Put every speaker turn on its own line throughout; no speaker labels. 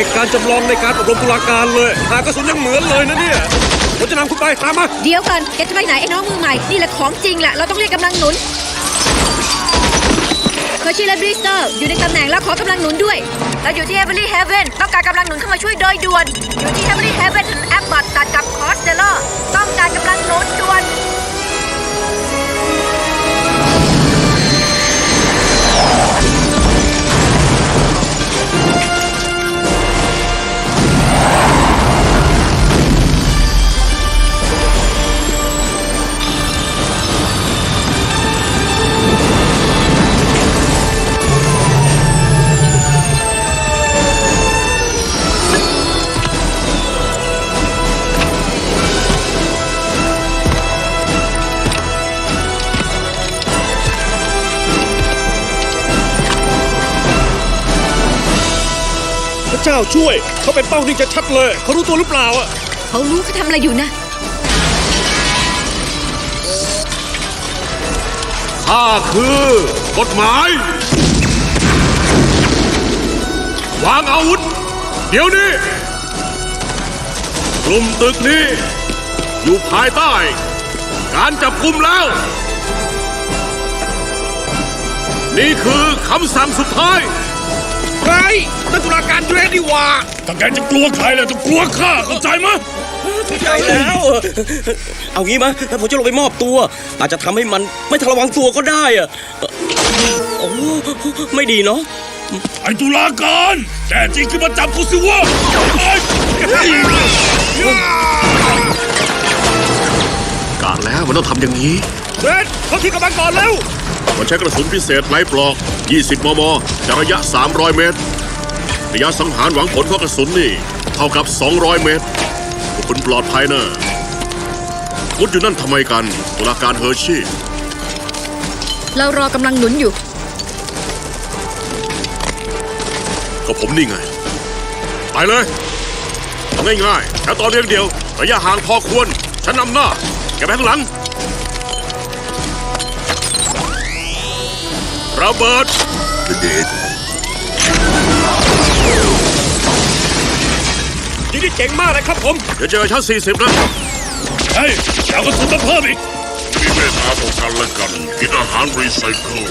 ตุการณ์จำลองในการอบรมตุลาการเลยหากระสุนยังเหมือนเลยนะเนี่ยผมจะนำคุณไปตามมา
เดี๋ยวก่อนแกจะไปไหนไอ้น้องมือใหม่นี่แหละของจริงแหละเราต้องเรียกกำลังหนุนเคอร์ชิและบริสตอลอยู่ในตำแหน่งแล้วขอกำลังหนุนด้วยเราอยู่ที่เฮเวอร์ลี่เฮเวนต้องการกำลังหนุนเข้ามาช่วยโดยด่วนอยู่ที่เฮเวอร์ลี่เฮเวนถนนแอปบัตตัดกับคอสเดลเลอร์ต้องการกำลังหนุนด่วน
พระเจ้าช่วยเขาเป็นเป้านิ่งจะชัดเลยเขารู้ตัวหรือเปล่าอ่ะ
เขารู้เขาทำอะไรอยู่นะ
ข้าคือกฎหมาย วางอาวุธเดี๋ยวนี้กลุ่มตึกนี้อยู่ภายใต้การจับกุมแล้ว นี่คือคำสั่งสุดท้าย
ใครนั่นตุลาการเดรดดีว่า
ถ้าแกจะกลัวใครแล้วต้องกลัวข้าเข้าใจมั้ย
เข้าใจแล้วเอางี้มั้ยถ้าผมจะลงไปมอบตัวอาจจะทำให้มันไม่ทันระวังตัวก็ได้อะโอ้ไม่ดีเนาะ
ไอ้ตุลาการแต่จริงคือมาจับกูสิวะกะแล้วมันต้องทำอย่างนี้
เดรดเขาที่กำลังก่อนเร็ว
มันใช้กระสุนพิเศษไร้ปลอก20 มมจากระยะ300 เมตรระยะสังหารหวังผลของกระสุนนี่เท่ากับ200 เมตรพวกคุณปลอดภัยนะมุดอยู่นั่นทำไมกันตุลาการเฮอร์ชี่
เรารอกำลังหนุนอยู่
ก็ผมนี่ไงไปเลยทำง่ายๆแค่ตอนเรียงเดียวระยะห่างพอควรฉันนำหน้าแกไปข้างหลังระเบิด
ยิงได้เจ๋งมากเลยครับผม
เดี๋ยวเจอชั้น40นะเฮ้ยเอากระสุนมาเพิ่มอีกมีเมตตาต่อกันและกันกินอาหารรีไซเคิล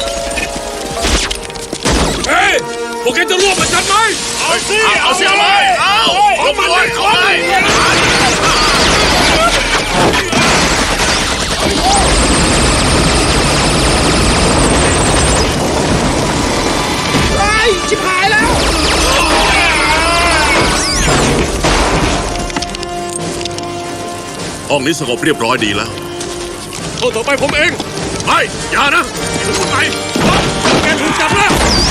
เฮ้ยพวกแกจะร่วมกับฉันไหมเอาสิเอาเลยเอามันเลยเอาเลย
ชิบหายแล้ว
ห้องนี้สงบเรียบร้อยดีแล้ว
ห้องต่อไปผมเอง
ไม่อย่านะทุกคนไป
แกถูกจับแล้ว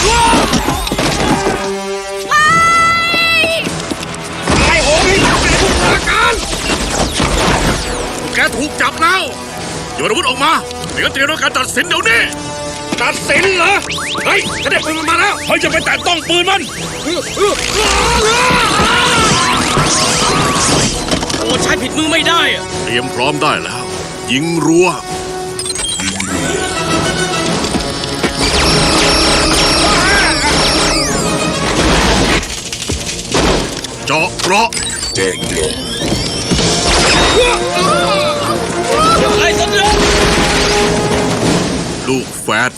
ไอ้โหยแกถูกตุลาการ
แกถูกจับแล้วโยนอาวุธออกมาไม่งั้นเตรียมการตัดสินเดี๋ยวนี้
ตัดสินเหรอเฮ้ยกระเด็นปืนมันมาแล้ว
เฮ้ยจะไปแตะต้องปืนมัน
โอ้ใช้ผิดมือไม่ได้อะ
เตรียมพร้อมได้แล้วยิงรัวเจาะเกราะ
ไอ้สัญญา
ลูกแฟด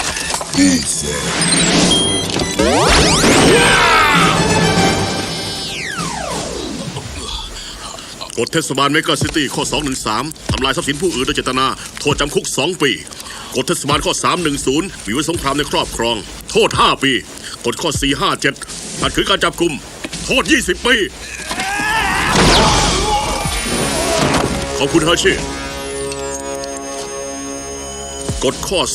กฎเทศบาลเมกะซิตี้ข้อ 213 ทำลายทรัพย์สินผู้อื่นโดยเจตนาโทษจำคุก2 ปีกฎเทศบาลข้อ 310 มีไว้สงครามในครอบครองโทษ5 ปีกฎข้อ 457 ขัดขืนการจับกุมโทษ20 ปีขอบคุณเฮอร์ชี่กฎข้อ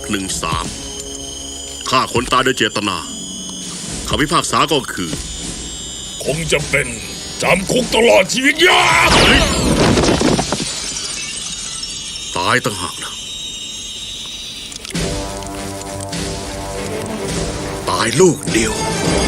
3613 ฆ่าคนตายโดยเจตนาคำพิพากษาก็คือคงจะเป็นจำคุกตลอดชีวิตยาวตายต่างหากนะตายลูกเดียว